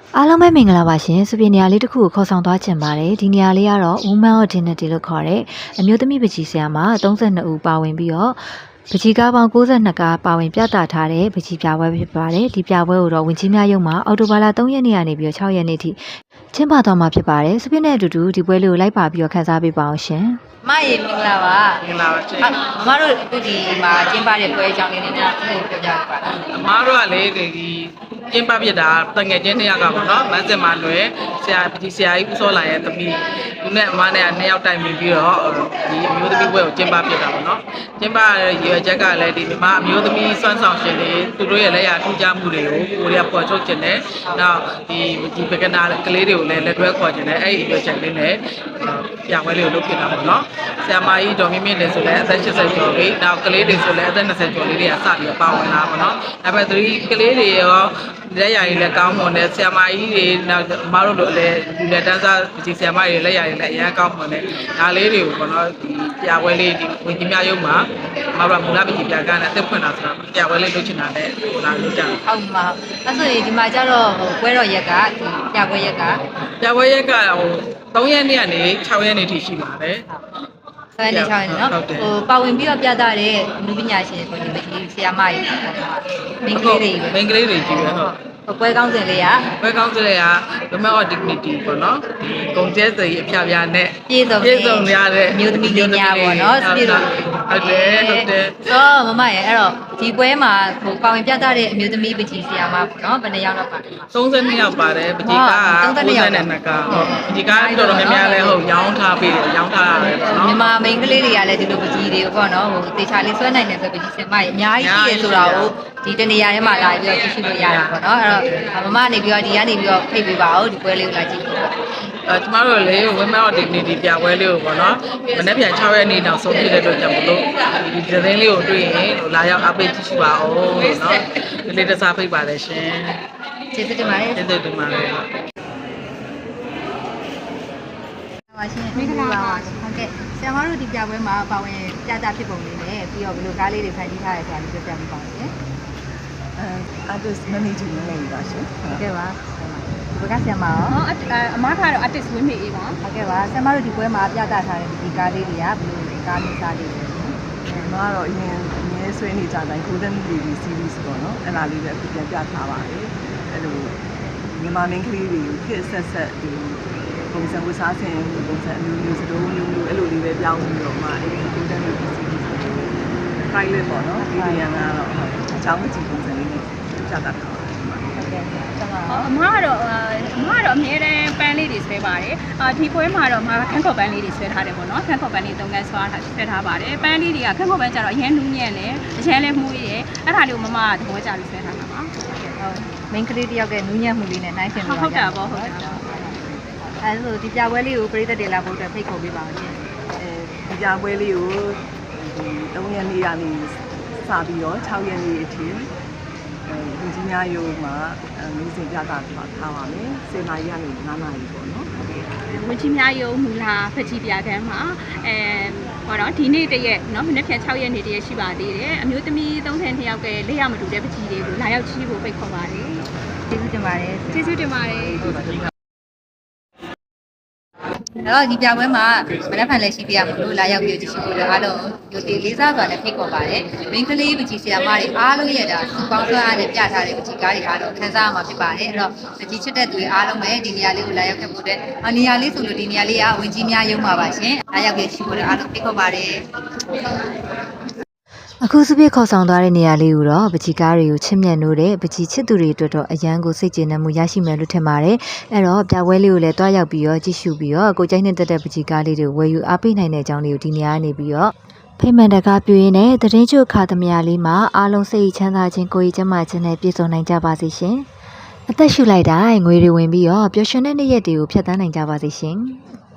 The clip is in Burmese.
အားလုံးပဲမင်္ဂလာပါရှင်။စပင်နေရာလေးတစ်ခုကိုခေါ်ဆောင်သွားချင်ပါတယ်။ဒီနေရာလေးကတော့ Women of Dignity လို့ခေါ်တဲ့အမျိုးသမီးပကြီးဆရာမ32ဦးပါဝင်ပြီးတော့ပကြီးကားပေါင်း62ကားပါဝင်ပြသထားတဲ့ပကြီးပြပွဲဖြစ်ပါတယ်။ဒီပြပွဲကိုတော့ဝင်ကြီးများရုံမှာအော်တိုဘာလ3ရက်နေ့ကနေပြီးတော့6ရက်နေ့ထိကျင်းပသွားမှာဖြစ်ပါတယ်။စပင်နဲ့အတူတူဒီပွဲလေးကိုလိုက်ပါပြီးတော့ခန်းစားပေးပါအောင်ရှင်။မရေမင်္ဂလာပါမင်္ဂလာပါရှင်။မတို့အခုဒီမှာကျင်းပတဲ့ပွဲအကြောင်းလေးနဲ့ပြောပြကြပါလား။အမားတို့ကလေဒီကျင်းပပြတာတငယ်ချင်း2ယောက်ကပေါ့နော်။မန်းစင်မလွယ်ဆရာပကြီးဆရာကြီးဦးစောလာရဲ့သမီးသူနဲ့အမားနဲ့2ယောက်တိုင်ပြီးတော့ဒီအမျိုးသမီးပွဲကိုကျင်းပပြတာပေါ့နော်။ကျင်းပရဲ့ရွယ်ချက်ကလည်းဒီမှာအမျိုးသမီးစွမ်းဆောင်ရှင်တွေသူတို့ရဲ့လက်ရထူးခြားမှုတွေကိုကိုရီးယားပေါ်ထုတ်ခြင်းနဲ့နောက်ဒီပကနာကလေးတွေကိုလည်းလက်တွဲခေါ်ခြင်းနဲ့အဲ့ဒီရွယ်ချက်လေးနဲ့ပြပွဲလေးကိုလုပ်ပြတာပေါ့နော်။ဆရာမကြီးဒေါ်မြင့်မြင့်လည်းဆိုလည်းအသက်80ကျော်လေးနောက်ကလေးတွေဆိုလည်းအသက်20ကျော်လေးတွေကစပြီးပါဝင်လာပေါ့နော်။ဒါပေမဲ့ကလေးတွေရောလက်ရည်လည်းကောင်းမွန်တယ်ဆရာမကြီးတွေနောက်မတို့လိုလည်းလူလက်တန်းစားဒီဆရာမကြီးလက်ရည်လည်းအရန်ကောင်းမွန်တယ်ဒါလေးတွေကိုပေါ့နော်ဒီပြပွဲလေးဒီဝင်ကြီးများရုံမှာမတို့ကမူလပကြီးပြကန်းနဲ့အသက်ဖွင့်တာဆိုတာပြပွဲလေးလုပ်ချင်တာနဲ့လာလုပ်ကြတယ်ဟုတ်မှာအဲ့ဆိုရင်ဒီမှာကျတော့ပွဲတော်ရက်ကပြပွဲရက်က 3ရက်နေ့ကနေ6ရက်နေ့ထိရှိပါတယ်ဆက်နေချောင်းနေနော်ပါဝင်ပြီးတော့ပြသတဲ့လူပညာရှင်ကိုဒီဆရာမကြီးမိန်းကလေးတွေကြီးပဲဟုတ်ပွဲကောင်းစင်လေးက Women of Dignity ပေါ့နော်ဒီဂုံကျဲစရီအဖျားပြားနဲ့ပြည့်စုံရတဲ့အမျိုးသမီးတွေညာပေါ့နော်ပြည့်စုံဟုတ်တယ်ဆိုမမရဲ့အဲ့တော့ဒီပွဲမှာပါဝင်ပြသတဲ့အမျိုးသမီးပကြီးဆရာမပေါ့နော်ဘယ်နှယောက်လောက်ပါလဲ 32ယောက်ပါတယ်ပကြီးက92ကားဟုတ်ပကြီးကတော်တော်များများလဲဟုတ်ရောင်းထားပေးတယ်ရောင်းထားရတယ်ပေါ့နော်မြန်မာမိန်းကလေးတွေကလည်းဒီလိုပကြီးတွေကိုပေါ့နော်တေချာလေးဆွဲနိုင်တယ်ဆိုပကြီးဆရာမကြီးအများကြီးရှိတယ်ဆိုတာကိုဒီတနေရာထဲမှာလာပြီးတော့ကြည့်ရှုလို့ရတာပေါ့နော်အဲ့တော့မမနေပြီးတော့ဒီကနေပြီးတော့ဖိတ်ပေးပါဦးဒီပွဲလေးကိုလာကြည့်ပါကျမတို့လေ Women of Dignity ပြပွဲလေးကိုပေါ့နော်မနေ့ပြန်6ရက်နေ့နောက်ဆုံးဖြစ်တဲ့အတွက်ကြောင့်မလို့ဒီသတင်းလေးကိုတွေ့ရင်လာရောက်အားပေးကြည့်ရှုပါဦးလို့နော်ဒီလေးတစားဖိတ်ပါတယ်ရှင်ကျေးဇူးတင်ပါတယ်ကျေးဇူးတင်ပါတယ်ပါရှင်မင်္ဂလာပါဟုတ်ကဲ့ဆရာမတို့ဒီပြပွဲမှာပါဝင်ပြသဖြစ်ပုံလေးနဲ့ပြီးတော့ဘယ်လိုကားလေးတွေဖန်တီးထားရဆိုတာလေးပြောပြပေးပါဦးရှင် artist managing လုပ်နေတာရှင်ဟုတ်ကဲ့ပါဘယ်ကဆရာမရောအမားကတော့ artist ဝင်းမေအေးပါဟုတ်ကဲ့ပါဆရာမတို့ဒီပွဲမှာပြသထားတဲ့ဒီကားလေးတွေကဘယ်လိုကားမျိုးစားလေးလဲအမားကတော့အရင်ဆွေးနေကြတိုင်း Golden Lady series ပေါ့နော်အဲ့ဒါလေးပဲပြန်ပြထားပါတယ်အဲ့လိုမြန်မာမင်းကလေးတွေကိုခက်ဆက်ဒီပုံစံဝတ်စားခြင်းပုံစံအမျိုးမျိုးစတိုးမျိုးအဲ့လိုလေးပဲပြောင်းပြီးတော့မှအဲ့ဒီ Golden Lady series pilot ပေါ့နော်ဒီနေရာကတော့အကြောင်းကြည့်ပုံစံလေးနဲ့ပြသထားပါတယ်အမကတော့အမြဲတမ်းပန်းလေးတွေဆွဲပါတယ်ဒီပွဲမှာတော့မခန်းခေါ်ပန်းလေးတွေဆွဲထားတယ်ပေါ့နော်ခန်းခေါ်ပန်းလေး3ခန်းဆွဲထားပါတယ်ပန်းလေးတွေကခန်းခေါ်ပန်းကျတော့အရင်နူးညံ့တယ်အရင်လည်းမှုရည်အဲ့ဒါလေးကိုမမကသဘောကျပြီးဆွဲထားတာပါမိန်းကလေးတယောက်ရဲ့နူးညံ့မှုလေးနဲ့နှိုင်းယှဉ်ပြီးဟုတ်တာပေါ့ဟုတ်တာအဲဆိုဒီပြပွဲလေးကိုပြည်သက်တွေလာဖို့အတွက်ဖိတ်ခေါ်ပေးပါဦးရှင်ဒီပြပွဲလေးကို3ရက်နေ့ကနေစပြီးတော့6ရက်နေ့အထိလူကြီးများရုံမှာမျိုးစင်ပြတာထားပါမယ်10နာရီကနေ9နာရီပေါ့နော်ဝင်ကြီးများရုံမူလာဖက်ကြီးပြခန်းမှာဟောတော့ဒီနေ့တရက်เนาะမနေ့ဖြန်6ရက်နေ့တရက်ရှိပါသေးတယ်အမျိုးသမီး32ယောက်ကလက်ရမတူတဲ့ပကြီးတွေကိုလာရောက်ချီးဖို့ဖိတ်ခေါ်ပါတယ်ကျေးဇူးတင်ပါတယ်ကျေးဇူးတင်ပါတယ်တော့ဒီပြပွဲမှာမနက်ဖြန်လည်းရှိပြရမလို့လာရောက်ပြီးကြည့်ရှုလို့အားလုံးရိုတေလေးစားစွာနဲ့ဖိတ်ခေါ်ပါတယ်။မင်းကလေးပကြီးဆရာမတွေအားလုံးရဲ့ဒါစုပေါင်းဆွဲအားနဲ့ပြထားတဲ့ပကြီးကားတွေအားလုံးခန်းစားရမှာဖြစ်ပါတယ်။အဲ့တော့ပကြီးချစ်တဲ့သူတွေအားလုံးပဲဒီနေရာလေးကိုလာရောက်ခဲ့ဖို့အတွက်နေရာလေးဆိုလို့ဒီနေရာလေးကဝင်ကြီးများရုံပါပါရှင်။လာရောက်ပြီးကြည့်ဖို့လည်းအားလုံးဖိတ်ခေါ်ပါတယ်။အခုစပြည့်ခေါ်ဆောင်သွားတဲ့နေရာလေးကိုတော့ပကြီးကားတွေကိုချစ်မြတ်နိုးတဲ့ပကြီးချစ်သူတွေအတွက်တော့အရန်ကိုစိတ်ကျေနပ်မှုရရှိမယ်လို့ထင်ပါတယ်။အဲ့တော့ပြပွဲလေးကိုလည်းတွားရောက်ပြီးတော့ကြည့်ရှုပြီးတော့ကိုကျိုင်းနဲ့တက်တဲ့ပကြီးကားလေးတွေဝယ်ယူအားပေးနိုင်တဲ့အကြောင်းလေးကိုဒီနေရာကနေပြီးတော့ဖိမှန်တကားပြင်းနဲ့သတင်းချုပ်ခါသမယာလေးမှာအားလုံးစိတ်ချမ်းသာခြင်းကိုယ်ကျန်းမာခြင်းနဲ့ပြည့်စုံနိုင်ကြပါစေရှင်။အသက်ရှူလိုက်တိုင်းငွေတွေဝင်ပြီးတော့ပျော်ရွှင်တဲ့နေ့ရက်တွေကိုဖြတ်သန်းနိုင်ကြပါစေရှင်။